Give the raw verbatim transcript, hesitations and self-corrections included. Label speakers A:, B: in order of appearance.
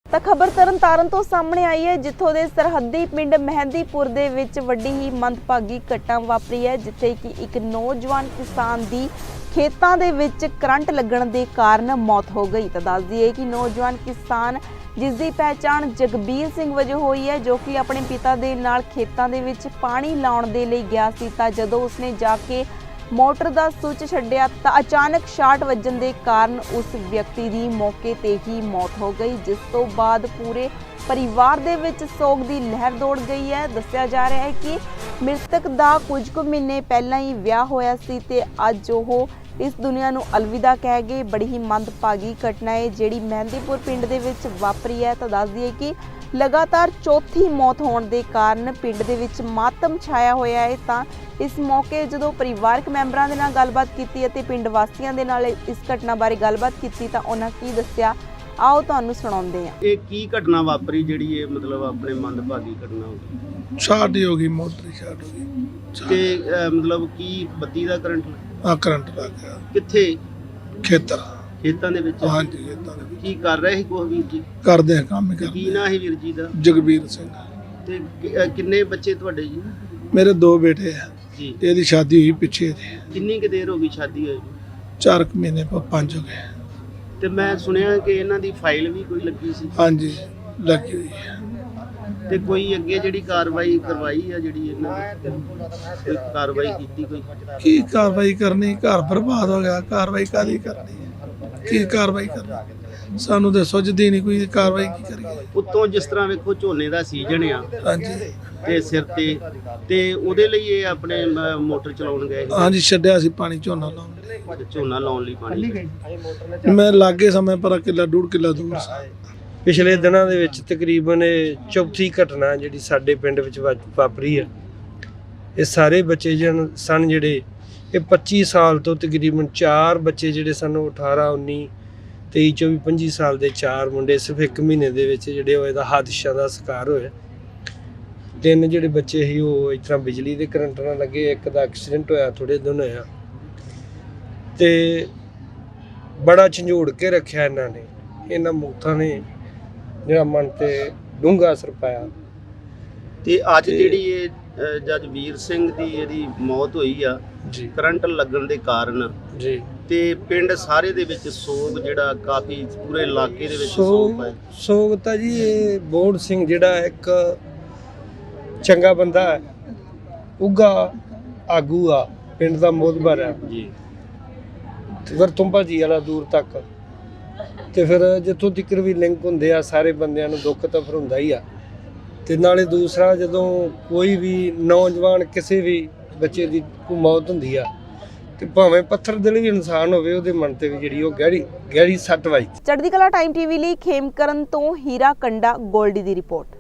A: ਤਾਂ ਖਬਰ ਤਰਨਤਾਰਨ ਤੋਂ ਸਾਹਮਣੇ ਆਈ ਹੈ, ਜਿੱਥੋਂ ਦੇ ਸਰਹੱਦੀ ਪਿੰਡ ਮਹਿੰਦੀਪੁਰ ਦੇ ਵਿੱਚ ਵੱਡੀ ਹੀ ਮੰਦਭਾਗੀ ਘਟਨਾ ਵਾਪਰੀ ਹੈ, ਜਿੱਥੇ ਕਿ ਇੱਕ ਨੌਜਵਾਨ ਕਿਸਾਨ ਦੀ ਖੇਤਾਂ ਦੇ ਵਿੱਚ ਕਰੰਟ ਲੱਗਣ ਦੇ ਕਾਰਨ ਮੌਤ ਹੋ ਗਈ। ਤਾਂ ਦੱਸ ਦਈਏ ਕਿ ਨੌਜਵਾਨ ਕਿਸਾਨ ਜਿਸ ਦੀ ਪਹਿਚਾਣ ਜਗਬੀਰ ਸਿੰਘ ਵਜੋਂ ਹੋਈ ਹੈ, ਜੋ ਕਿ ਆਪਣੇ ਪਿਤਾ ਦੇ ਨਾਲ ਖੇਤਾਂ ਦੇ ਵਿੱਚ ਪਾਣੀ ਲਾਉਣ ਦੇ ਲਈ ਗਿਆ ਸੀ। ਤਾਂ ਜਦੋਂ ਉਸਨੇ ਜਾ ਕੇ ਮੋਟਰ ਦਾ ਸੁੱਚ ਛੱਡਿਆ ਤਾਂ ਅਚਾਨਕ ਸ਼ਾਰਟ ਵੱਜਣ ਦੇ ਕਾਰਨ ਉਸ ਵਿਅਕਤੀ ਦੀ ਮੌਕੇ ਤੇ ਹੀ ਮੌਤ ਹੋ ਗਈ, ਜਿਸ ਤੋਂ ਬਾਅਦ ਪੂਰੇ ਪਰਿਵਾਰ ਦੇ ਵਿੱਚ ਸੋਗ ਦੀ ਲਹਿਰ ਦੌੜ ਗਈ ਹੈ। ਦੱਸਿਆ ਜਾ ਰਿਹਾ ਹੈ ਕਿ ਮ੍ਰਿਤਕ ਦਾ ਕੁਝ ਕੁ ਮਹੀਨੇ ਪਹਿਲਾਂ ਹੀ ਵਿਆਹ ਹੋਇਆ ਸੀ ਤੇ ਅੱਜ ਉਹ ਇਸ ਦੁਨੀਆ ਨੂੰ ਅਲਵਿਦਾ ਕਹਿ ਗਏ। ਬੜੀ ਹੀ ਮੰਦਭਾਗੀ ਘਟਨਾ ਹੈ ਜਿਹੜੀ ਮਹਿੰਦੀਪੁਰ ਪਿੰਡ ਦੇ ਵਿੱਚ ਵਾਪਰੀ ਹੈ। ਤਾਂ ਦੱਸ ਦਈਏ ਕਿ ਲਗਾਤਾਰ ਚੌਥੀ ਮੌਤ ਹੋਣ ਦੇ ਕਾਰਨ ਪਿੰਡ ਦੇ ਵਿੱਚ ਮਾਤਮ ਛਾਇਆ ਹੋਇਆ ਹੈ। ਤਾਂ ਇਸ ਮੌਕੇ ਜਦੋਂ ਪਰਿਵਾਰਕ ਮੈਂਬਰਾਂ ਦੇ ਨਾਲ ਗੱਲਬਾਤ ਕੀਤੀ ਅਤੇ ਪਿੰਡ ਵਾਸੀਆਂ ਦੇ ਨਾਲ ਇਸ ਘਟਨਾ ਬਾਰੇ ਗੱਲਬਾਤ ਕੀਤੀ ਤਾਂ ਉਹਨਾਂ ਕੀ ਦੱਸਿਆ, ਆਓ ਤੁਹਾਨੂੰ ਸੁਣਾਉਂਦੇ ਹਾਂ।
B: ਇਹ ਕੀ ਘਟਨਾ ਵਾਪਰੀ ਜਿਹੜੀ ਇਹ ਮਤਲਬ ਆਪਣੇ ਮੰਦਭਾਗੀ ਘਟਨਾ ਹੋ ਗਈ?
C: ਸ਼ਾਰਟ ਹੀ ਹੋ ਗਈ, ਮੋਟਰ ਸ਼ਾਰਟ ਹੋ ਗਈ
B: ਤੇ ਅਹ, ਮਤਲਬ ਕੀ ਬੱਤੀ ਦਾ ਕਰੰਟ
C: ਆ ਕਰੰਟ ਲੱਗ ਗਿਆ
B: ਕਿੱਥੇ?
C: ਖੇਤਰ।
B: ਖੇਤਾਂ ਦੇ ਵਿੱਚ?
C: ਹਾਂਜੀ ਖੇਤਾਂ ਦੇ ਵਿੱਚ
B: ਕੀ ਕਰ ਰਹੇ ਸੀ ਕੋਹ ਵੀਰ ਜੀ?
C: ਕਰਦੇ ਆ ਕੰਮ ਹੀ
B: ਕੀ
C: ਕਰਦੇ।
B: ਨਾਂ ਹੈ ਵੀਰ ਜੀ ਦਾ?
C: ਜਗਬੀਰ ਸਿੰਘ।
B: ਤੇ ਕਿ- ਅਹ, ਕਿੰਨੇ ਬੱਚੇ ਤੁਹਾਡੇ ਜੀ?
C: ਮੇਰੇ ਦੋ ਬੇਟੇ ਆ,
B: ਜੀ।
C: ਇਹਦੀ ਸ਼ਾਦੀ ਹੋਈ ਪਿੱਛੇ ਦੀ
B: ਕਿੰਨੀ ਕੁ ਦੇਰ ਹੋ ਗਈ ਸ਼ਾਦੀ ਹੋਈ?
C: ਚਾਰ ਕੁ ਮਹੀਨੇ ਪ- ਪੰਜ ਹੋ ਗਏ।
B: ਤੇ ਮੈਂ ਸੁਣਿਆ ਕਿ ਇਹਨਾਂ ਦੀ ਫਾਈਲ ਵੀ ਕੋਈ ਲੱਗੀ ਸੀ।
C: ਹਾਂਜੀ ਲੱਗੀ ਹੋਈ ਹੈ।
B: ਤੇ ਕੋਈ ਅੱਗੇ ਜਿਹੜੀ ਕਾਰਵਾਈ ਕਰਵਾਈ ਆ ਜਿਹੜੀ ਇਹਨਾਂ ਦੀ ਕੋਈ ਕਾਰਵਾਈ ਕੀਤੀ ਕੋਈ?
C: ਕੀ ਕਾਰਵਾਈ ਕਰਨੀ? ਘਰ ਬਰਬਾਦ ਹੋ ਗਿਆ, ਕਾਰਵਾਈ ਕਾਹਦੀ ਕਰਨੀ ਹੈ? ਕੀ ਕਾਰਵਾਈ ਕਰਨੀ? ਸਾਨੂੰ ਤਾਂ ਸੁੱਝਦੀ ਨਹੀਂ ਕੋਈ ਕਾਰਵਾਈ ਕੀ ਕਰੀਏ।
B: ਉੱਤੋਂ ਜਿਸ ਤਰ੍ਹਾਂ ਵੇਖੋ ਝੋਨੇ ਦਾ ਸੀਜ਼ਨ ਆ
C: ਹਾਂਜੀ
B: ਤੇ ਸਿਰ ਤੇ ਤੇ ਉਹਦੇ ਲਈ ਇਹ ਆਪਣੇ ਮ- ਮੋਟਰ ਚਲਾਉਣ ਗਏ ਸੀ।
C: ਹਾਂਜੀ ਛੱਡਿਆ ਸੀ ਪਾਣੀ ਝੋਨਾ ਲਾਉਣ ਲਈ।
B: ਝੋਨਾ ਲਾਉਣ ਲਈ ਪਾਣੀ।
C: ਮੈਂ ਲਾਗੇ ਸਮੇਂ ਪਰ ਕਿੱਲਾ ਡੂਢ ਕਿੱਲਾ ਦੂਰ ਸੀ।
D: ਪਿਛਲੇ ਦਿਨਾਂ ਦੇ ਵਿੱਚ ਤਕਰੀਬਨ ਇਹ ਚੌਥੀ ਘਟਨਾ ਜਿਹੜੀ ਸਾਡੇ ਪਿੰਡ ਵਿੱਚ ਵਾ- ਵਾਪਰੀ ਹੈ। ਇਹ ਸਾਰੇ ਬੱਚੇ ਜਨ ਸਨ ਜਿਹੜੇ ਇਹ ਪੱਚੀ ਸਾਲ ਤੋਂ ਤਕਰੀਬਨ ਚਾਰ ਬੱਚੇ ਜਿਹੜੇ ਸਨ ਉਹ ਅਠਾਰਾਂ ਉੱਨੀ ਤੇਈ ਚੌਵੀ ਪੰਜੀ ਸਾਲ ਦੇ ਚਾਰ ਮੁੰਡੇ ਸਿਰਫ ਇੱਕ ਮਹੀਨੇ ਦੇ ਵਿੱਚ ਜਿਹੜੇ ਹੋਏ ਦਾ ਹਾਦਸਿਆਂ ਦਾ ਸ਼ਿਕਾਰ ਹੋਏ। ਤਿੰਨ ਜਿਹੜੇ ਬੱਚੇ ਸੀ ਉਹ ਇਸ ਤਰ੍ਹਾਂ ਬਿਜਲੀ ਦੇ ਕਰੰਟ ਨਾਲ ਲੱਗੇ, ਇੱਕ ਦਾ ਐਕਸੀਡੈਂਟ ਹੋਇਆ ਥੋੜੇ ਦਿਨ ਹੋਇਆ ਤੇ ਬੜਾ ਝੰਜੋੜ ਕੇ ਰੱਖਿਆ ਇਹਨਾਂ ਨੇ। ਇਹਨਾਂ ਮੌਤਾਂ ਨੇ ਜਿਹੜਾ ਮਨ ਤੇ ਡੂੰਘਾ ਅਸਰ ਪਾਇਆ।
B: ਤੇ ਅੱਜ ਜਿਹੜੀ ਇਹ ਅ, ਜੱਜ ਵੀਰ ਸਿੰਘ ਦੀ ਇਹਦੀ ਮੌਤ ਹੋਈ ਆ
D: ਜੀ
B: ਕਰੰਟ ਲੱਗਣ ਦੇ ਕਾਰਨ,
D: ਜੀ
B: ਤੇ ਪਿੰਡ ਸਾਰੇ ਦੇ ਵਿੱਚ ਸੋਗ ਜਿਹੜਾ ਕਾਫੀ ਪੂਰੇ ਇਲਾਕੇ ਦੇ ਵਿੱਚ ਸੋਗ
D: ਸੋ
B: ਹੈ।
D: ਸੋਗਤਾ ਜੀ ਇਹ ਬੋੜ ਸਿੰਘ ਜਿਹੜਾ ਇੱਕ ਚੰਗਾ ਬੰਦਾ ਹੈ, ਉੱਘਾ ਆਗੂ ਆ, ਪਿੰਡ ਦਾ ਮੋਹਤਬਰ ਹੈ
B: ਜੀ।
D: ਵਰਤੁੰਬਾ ਜੀ ਵਾਲਾ ਦੂਰ ਤੱਕ। ਤੇ ਫਿਰ ਜਿੱਥੋਂ ਤੱਕ ਵੀ ਲਿੰਕ ਹੁੰਦੇ ਆ ਸਾਰੇ ਬੰਦਿਆਂ ਨੂੰ ਦੁੱਖ ਤਾਂ ਫਿਰ ਹੁੰਦਾ ਹੀ ਆ। ਤੇ ਨਾਲੇ ਦੂਸਰਾ ਜਦੋਂ ਕੋਈ ਵੀ ਨੌਜਵਾਨ ਕਿਸੇ ਵੀ ਬੱਚੇ ਦੀ ਕੋਈ ਮੌਤ ਹੁੰਦੀ ਆ ਤੇ ਭਾਵੇਂ ਪੱਥਰ ਦਿਲ ਵੀ ਇਨਸਾਨ ਹੋਵੇ ਉਹਦੇ ਮਨ ਤੇ ਵੀ ਜਿਹੜੀ ਉਹ ਗਹਿਰੀ ਗਹਿਰੀ ਸੱਟ ਵੱਜਦੀ।
A: ਚੜ੍ਹਦੀ ਕਲਾ ਟਾਈਮ ਟੀਵੀ ਲਈ ਖੇਮਕਰਨ ਤੋਂ ਹੀਰਾ ਕੰਡਾ ਗੋਲਡੀ ਦੀ ਰਿਪੋਰਟ।